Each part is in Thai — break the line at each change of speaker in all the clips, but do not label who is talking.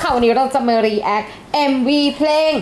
ค่ะวันนี้เราจะมา react MV เพลง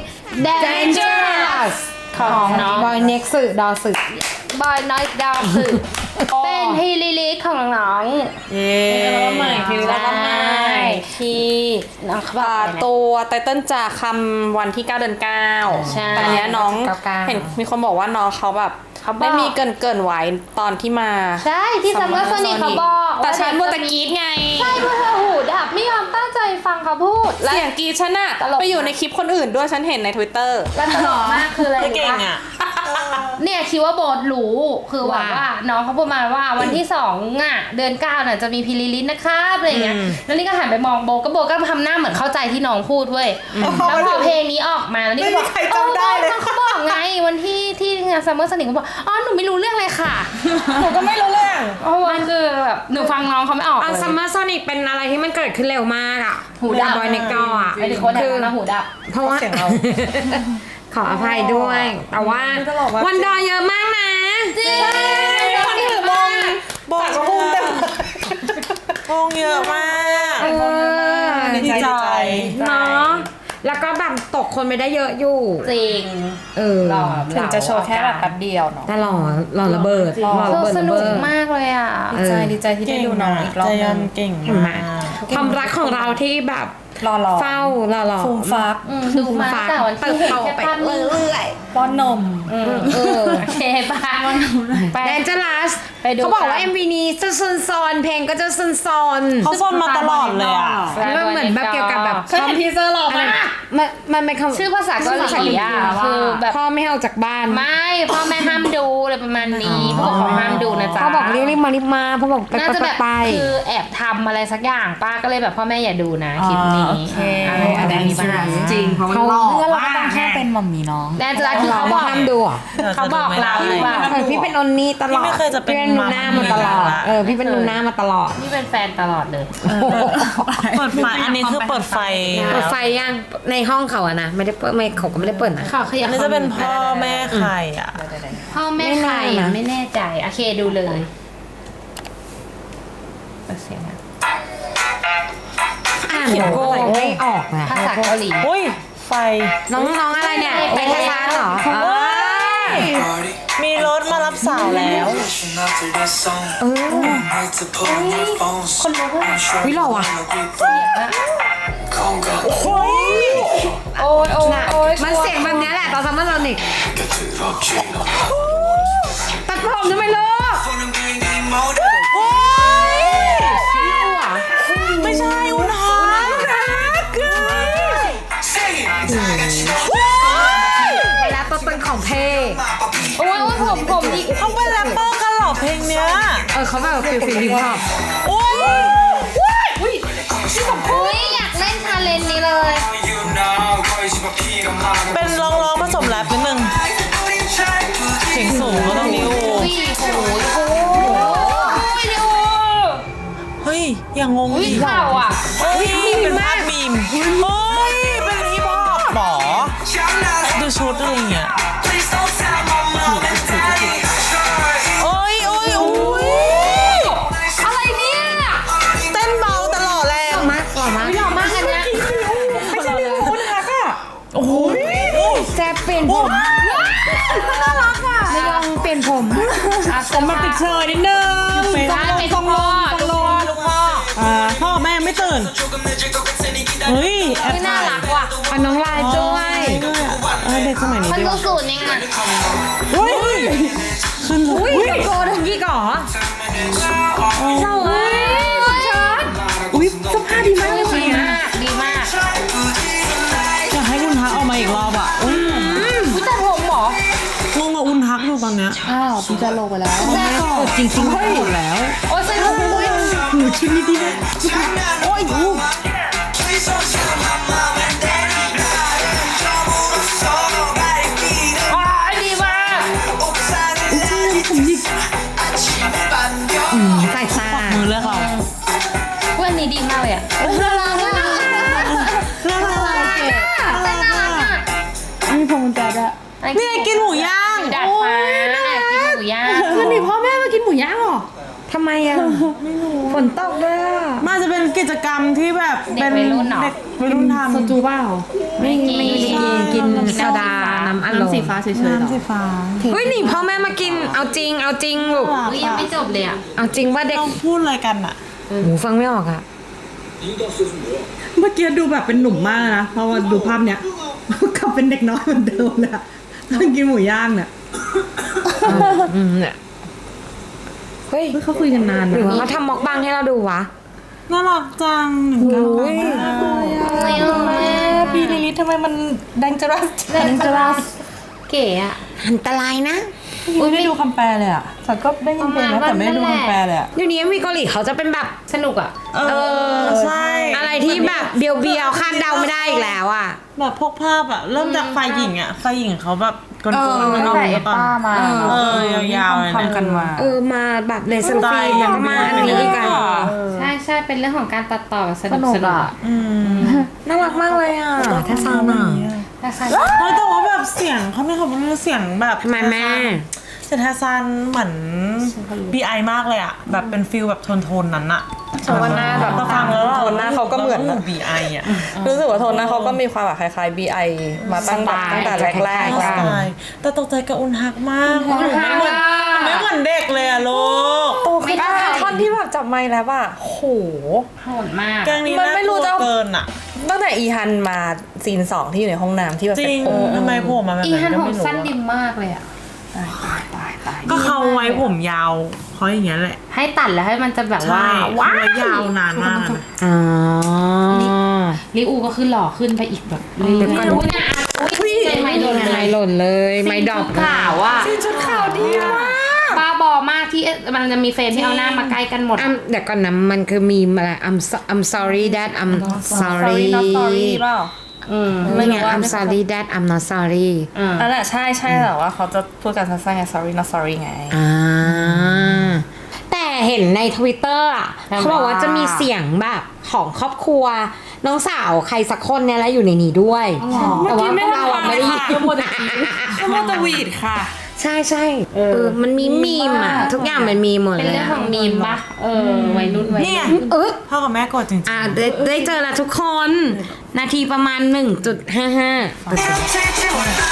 Dangerous ของน้องบอยเน็กซ์ดอสึ
บอยน้อยดาวสึเป็นฮีลิลิกของน้อง
เย้แล้วใหม่ทีแล้วก็ใหม่ที่ตัวไตเติ้ลจะคำวันที่ 9 เดือน 9แต่เนี้ยน้องเห็นมีคนบอกว่าน้องเขาแบบได้มีเกินไว้ตอนที่มา
ใช่ที่ซัมเมอร์โซนิกเขาบอก
แต่ฉันมัวแต่กรี๊ดไง
ใช่เพราะเธอหูดับไม่ยอมตั้งใจฟังเขาพูด
เสียงกรี๊ดฉันอะไปอยู่ในคลิปคนอื่นด้วยฉันเห็นใน Twitter
แล้วตลกมากคืออะไร
เก่งอะ
เนี่ยคิดว่าโบทรู้คือว่าน้องเขาพูดมาว่าวันที่2อ่ะเดือน9น่ะจะมีพิลิลินนะครับอะไรเงี้ยแล้วนี่ก็หันไปมองโบก็ทำหน้าเหมือนเข้าใจที่น้องพูดเว้ยแล้วพอเพลงนี้ออกมาแล้วนี่ก็บอกเขาบอกไงวันที่งานซัมเมอร์สนิทเขาบอกอ๋อหนูไม่รู้เรื่องเลยค่ะ
หนูก็ไม่รู้เรื่อง
เพราะว่าคือแบบหนูฟังน้องเขาไม่ออกเลย
ซัมเมอร์โซนิกเป็นอะไรที่มันเกิดขึ้นเร็วมากอ่ะ
หูดับบ
อยเน็กดออ่ะ
ไอ้ที่คนแถวหูดับ
เพราะว่าขออภัยด้วยแต่ว่าวันดอเยอะมากนะ
จริง
คนถือมงบอกพุ่งเต็มมงเยอะมาก
ดีใจเนาะแล้วก็แบบตกคนไม่ได้เยอะอยู่
จริง
ถึงจะโชว์แค่แบบแป๊บเดียวเนาะ
แต่หล่อระเบิด
สนุกมากเลยอ่ะ
ดีใจที่ได้ดูน้องอีกรอบนึงเก่งมาก
ความรักของเราที่แบบเฝ้า
ฟูมฟัก
ดูมาแต่วันที่เห็นแค่ภาพเรื่อย
ป้อนนม
โอเคป้า
แดนเจอรัสเขาบอกว่า MV นี้จะซนเพลงก็จะซน
เขาซนมาตลอดเลยอ่ะ
มันเหมือนแบบเกี่ยวกับแบบ
เขาทีเซอร์หล่อมาก
มันเป็นคำ
ชื่อภาษาเกาหลีอ่ะคือแบบ
พ่อไม่ให้ออกจากบ้าน
ไม่พ่อแม่ห้ามดูอะไรประมาณนี้ผู้ปกครองห้ามดูนะจ๊ะ
เขาบอกรีบมาพ่อบอก
น่าจะแบบคือแอบทำอะไรสักอย่างป้าก็เลยแบบพ่อแม่อย่าดูนะคลิปนี้
อะไรนี้จริงเพราะ
เขาเพื่อนเราก็ต้องแค่เป็นมัมมี่น้อง
แดนจะคือเขาบอก
ห้ามดู
เขาบอกเราว่า
พี่เป็นอนนี่ตลอด
พี่ไม่เคยจะเป็น
นูน่ามาตลอดพี่เป็นนูน่ามาตลอด
นี่เป็นแฟนตลอดเลย
เปิดไฟอันนี้คือเปิดไฟ
ยังในห้องเขาอะนะไม่ได้ไม่เขาก็ไม่ได้เปิดนะ
อันนี้จะเป็นพ่อแม่ใครอะ
พ่อแม่ใครไม่แน่ใจโอเคดูเลยเสียง
เขียนโก้ไม่ออกนะ
ภาษาเกาหลี
อุ้ยไฟ
น้องอะไรเนี่ยไปทะเลเหรอ
มีรถมารับสาวแล้ว
คนรู้ว่า
วิหล่อว่ะ
โอ้ย
มันเสียงแบบนี้แหละตอนซัมเมอร์โซนิกตัดผมทำไมลูก
ไม่ใช่อุณหา
เวลาตัวตนของเพลง
โอ้ยผมอีก
เขาเป็นแรปเปอร์กันหรอเพลงเนี้ย
เขาแบบฟิลฮิปฮอป
โอ้ย
อยากเล่นชาเลนจ์นี้เลย
เป็นร้องผสมแรปนิดนึงเสียงสูงก็ต้องนิ้วเฮ้ยอย่างงงดิ
ข่าวอ่ะ
เป็นภาพมีมเฮ้ยเป็นฮิปฮอปหรอดูชุดอะไรเงี้ย
อะไรเนี่ย
เต้นเบาตลอดแล้ว
หล่อมากอันเนี้ย
ไม่ใช่คุณทักอ่ะโอ้ย
แซ่บเปลี่ยนผม
น่ารักอ่ะ
ไม่ยอมเปลี่ยนผม
มันติดเชยนิดนึง
ต้องรอ
พ่อแม่ไม่ตื่นเฮ้ย
น่ารักว่ะ
น้องลายด้วย
เด็กสมัยนี้
มันดูสูตรนี่ไง
เฮ้ยขึ้น
โกทั้งกี่ก่อ
เศร้าเลย
สภาพดีมากเลย
ดีมาก
อยากให้อุนทักออกมาอีกรอบอ่ะ
แต่ผมหร
องงกับอุนทักอยู่ตอนเนี้ย
พี่จะลงไปแล้วจริง
หมดแล้ว
โอ้ยใส่ถุงมือ
หนูชิ้นนี้ดีนะโอ้ยดีมาก
ใส่ซา
มือเลือกเรา
วันนี้ดีมากเลยอ่ะน่ารัก
มีพงจัดอะนี่กินหมูย่าง
ดัดฟ้ากินหมูย่าง
วันนี้พ่อแม่มากินหมูย่างหรอทำไมอ่ะฝนตกด้วยอ่ะ
มันจะเป็นกิจกรรมที่แบบเป็น
เด็กวัยรุ่นเหรอ
เด็กวัยรุ่นทำ
โซจูเปล่า
ไม่กินโซดาน้ำอัดลม
น้ำสีฟ้าเฉยๆเหรอ
น้ำสีฟ้า
เฮ้ยหนีพ่อแม่มากินเอาจริงลูก
อุ๊ยยังไม่จบเลยอ่ะ
เอาจริงว่าเด็ก
เราพูดอะไรกันอะ
หมูฟังไม่ออกอ่ะ
เมื่อกี้ดูแบบเป็นหนุ่มมากเลยนะเพราะว่าดูภาพเนี้ยกลับเป็นเด็กน้อยเหมือนเดิมเลยอะนั่งกินหมูย่างเนี่ย
เนี่ยเฮ้ย
เฮ้ยเขาคุยกันนาน
ห
นะ
รือว่าเขาทำม็อกบังให้เราดูวะ
น่ารักจัง
โอ้ย
พี่ลิลิททำไมมันดังจรัส
เล่นจรัสเก๋อ่ะ
อันตรายนะ
อุ้ยไม่ดูคำแปลเลยอ่ะฉันก็ได้ยินเพลงนะแต่ไม่ได้ดูคำแปลเลยอ่ะ
เดี๋ยวนี้มีเกาหลีเขาจะเป็นแบบ
สนุกอ่ะ
ใช่
อะไรที่แบบเบียวๆคาดเดาไม่ได้อีกแล้วอ่ะ
แบบพวกภาพอะเริ่มจากฝ่ายหญิงอะฝ่ายหญิงเขาแบบกลนๆ
ตั้งแต่เอสป้ามา
ยาวๆเลยนะ
ทำกันมา
มาแบบเลเซอร์ฟิล์มแล้วก็มาอันนี้อีกอ่ะ
ใช่เป็นเรื่องของการตัดต่อส
ส
นุ
นุ
ก
กอ่ะ
น่ารักมากเลยอ่ะถ้าซาวน่ะ
ถ้าใช่
แต่ว่าแบบเสียงเขาไม่เขาเป็นเสียงแบบ
ทำไมแม่
เซนทาซันเหมือน BI มากเลยอะแบบเป็นฟิลแบบโทนนั้นอะ
ฉันว่าหน้าแบบ
เราฟังแล้ว
โทนหน้าเขาก็เหมือน
BI อะ
รู้สึกว่าโทนหน้าเขาก็มีความแบบคล้ายๆ BI มาตั้งแต่แรกๆ
ใช่
อะ
แต่ตกใจกับอุนฮักมากไม่เหมือนเด็กเลยอะลูก
โตขึ้นท่อนที่แบบจับไมค์แล้วอะโห
โหดมาก
แกงนี้
มัน
น่า
ไม่
ก
รู้
ลัว
จะ
เกินอะ
ตั้งแต่อีฮันมาซีน 2ที่อยู่ในห้องน้ำที่แบบ
จริง
เป็น
ทำไมผมมาแบบ
อี
นั้น
ฮัน
ก็
ผม
ไม่รู้
สั้น
อะ
ดิมมากเลยอ่ะ
ก็เขาไว้ผมยาวเพราะอย่างเงี้ยแหละ
ให้ตัดแล้วให้มันจะแบบว่า
ใช่
ว้า
ไว้ยาวนานมากนะ
อ๋อ
ลิอูก็คือหล่อขึ้นไปอีกแบบเรื่อยๆไม่รู้เนี่ยไม่โดน
ไม่หล่นเลยไม่ดรอป
ขาวอ่ะ
ชุดขาวดีมาก
บ้าบอมากที่มันจะมีเฟรมที่เอาหน้ามาใกล้กันหมด
เดี๋ยวก่อนนะมันคือมีอะไร I'm sorry that I'm sorry
not sorry เปล่า
ไม่ไง I'm sorry that I'm not sorry
นั่นแหละใช่แต่ว่าเขาจะพูดกันสั้นๆไง sorry not sorry ไง
แต่เห็นใน Twitter อ่ะเขาบอกว่าจะมีเสียงแบบของครอบครัว น้องสาวใครสักคนเนี่ยแหละอยู่ในนี้ด้วย แต่ว่าพวกเราอะไม่ได้ยิน
ก็โมตวีดค่ะ
ใช่มันมีมีมอ่ะ ทุกอย่างมันมีหมด
เป็น
เลย
เรื่องของมีมปะวัยรุ่น
นี่ไง พ่อกับแม่กดจริง
ได้เจอแล้วทุกคน นาทีประมาณ 1.55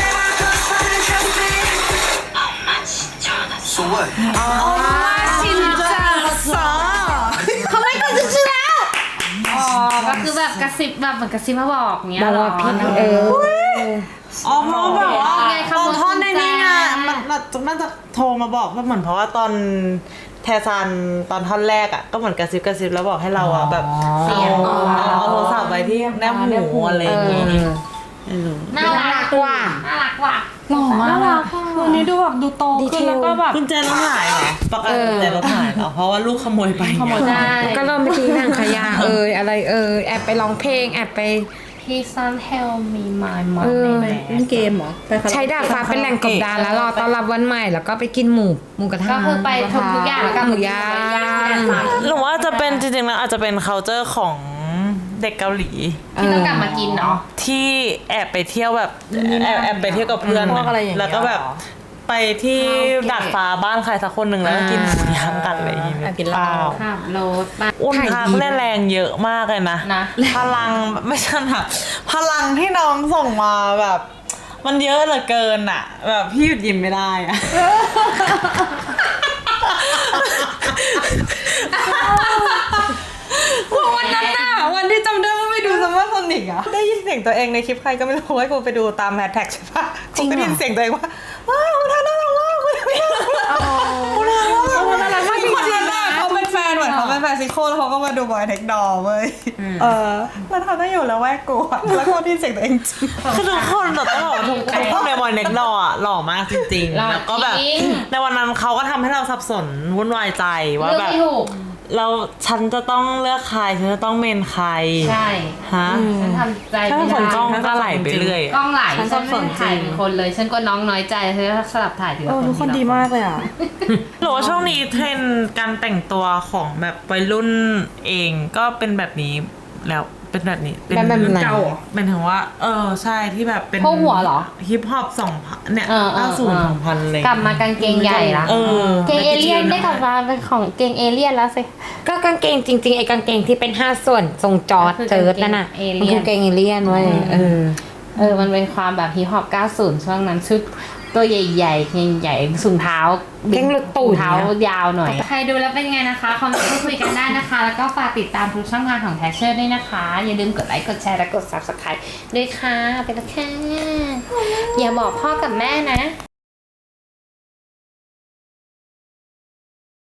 เขาไม่กดชื่อแล้ว
อ๋อก็คือแบบกระซิบแบบเหมือนกระซิบมาบอกเงี้ย
บอก
เหรอ
ว่าพี่
อ๋อเพราะแบบว่า
ไงข
ต
โม
อน
ย
ท่อนในนี้ไง
กุญแจ
มันน่าจะโทรมาบอกว่าเหมือนเพราะว่าตอนแทซันตอนท่อนแรกอ่ะก็เหมือนกระซิบแล้วบอกให้เราอ่ะแบบ
เสียง
เอาโทรศัพท์ไว้ที่แนบหูอะไรอย่างงี้
น่ารักว่ะน่ารักว่ะ
หล่อมากวันนี้ดูแบบดูโตขึ้นแล้วก็แบบ
กุญแจรถหายเหรอปกติกุญแจรถหายเหรอเพราะว่าลูกขโมยไปไง
ใช่
ก็เริ่มไปทิ้งถังขยะอะไรแอบไปร้องเพลงแอบไป
Please don't help me my
เออ
money
เล่นเกมเหรอไปคาราโอเกะ
ใช้ดาดฟ้าเป็นแหล่งกบดานแล้วรอต้อนรับวันใหม่แล้วก็ไปกินหมูกระทะ
ก็คือไปทุกอย่างแล้วก็
หมูย่าง
หรือว่าจะเป็นจริงๆแล้วอาจจะเป็น culture ของเด็กเกาหลี
ที่ต้องกลับมากินเนาะ
ที่แอบไปเที่ยวแบบแอบไปเที่ยวกับเพื่อน
พวกอะไรอย่างเงี้ย
แล้วก็แบบไปที่ดาดฟ้าบ้านใครสักคนหนึ่งแล้วก็กินหมูย่างกันอะไรอย่างเงี้ย
กินเหล้า
ขับรถไป
อุ่นพักเนี่ยแรงเยอะมากเลยนะ
นะ
พลังไม่ใช่แบบพลังที่น้องส่งมาแบบ มันเยอะเหลือเกินอ่ะ แบบพี่หยุดยิ้มไม่ได้อ่ะ
วันนั้นน่ะวันที่จำได้ว่าไปดูซัมเมอร์โซนิกอะได้ยินเสียงตัวเองในคลิปใครก็ไม่รู้ว่ากูไปดูตามแฮชแท็กใช่ปะกูก็ได้ยินเสียงตัวเองว่าว้าวคุณทาน่ารักมากคุณทาน่ารักมากคุณทาน่ารักมากคนนั้นน่ะเขาเป็นแฟนเหมือนเขาเป็นแฟนซิโก้แล้วเขาก็มาดูบอยเทคดอลเว้ยแล้วเขาต้องอยู่แล้วแวกกูอะแล้วก็ได้ยินเสียงตัวเองจริง
คือทุกคนแบบต้องบอกว่าทุกคนในวันเน็กดออ่ะหล่อมากจริง
หล่อ
ๆ แล้วก็แบบ
จริง
ในวันนั้นเขาก็ทำให้เราสับสนวุ่นวายใจว่า
เลือก
แบบ
ไม่ถูก
ฉันจะต้องเลือกใครฉันจะต้องเมนใคร
ใช่
ฮะ
ฉันทำใจ
ถ้า
ไม่
ผ
ได้
ลกล้องก็ไหลไปเรื่อย
กล้องไหล
ฉัน
ฉัน
สับส
ไม่
น
ได้ถ่าย
จริง
เป็นคนเลย ฉันก็น้องน้อยใจฉันก็สลับถ่ายทีละคน
ทุกคนดีมากเลยอะ
หรือว่าช่วงนี้เทรนด์การแต่งตัวของแบบวัยรุ่นเองก็เป็นแบบนี้แล้วเป็นแบบนี้
แบบไหน
เก่าเหรอ
เป็นถึงว่า ใช่ที่แบบเป็น
พวกหัวเหรอ
ฮิปฮอป2,000เนี่ย 90 2,000เลย
กลับมากางเกงใหญ่ละ เกงเอเลี่ยนได้กลับมาเป็นของเกงเอเลี่ยนแล้วสิ
ก็กางเกงจริงๆไอ้กางเกงที่เป็น5ส่วนทรงจอร์จเจิร์ดนั่นน่ะ
มันคือกางเกง
มันคือกางเกงเอเลี่ยนเว้ย
มันเป็นความแบบฮิปฮอป 90 ช่วงนั้นชุดตัวใหญ่ๆเกงใหญ่ถุงเท้า
เกงหลุดตูด
ถุงเท้ายาวหน่อย ใครดูแล้วเป็นไงนะคะคอมเมนต์พูดคุยกันได้นะคะ แล้วก็ฝากติดตามทุกช่องทางของแท็กเชอร์ด้วยนะคะ อย่าลืมกดไลค์ กดแชร์ และกด Subscribe ด้วยค่ะ ไปแล้วค่ะ อย่าบอกพ่อกับแม่นะ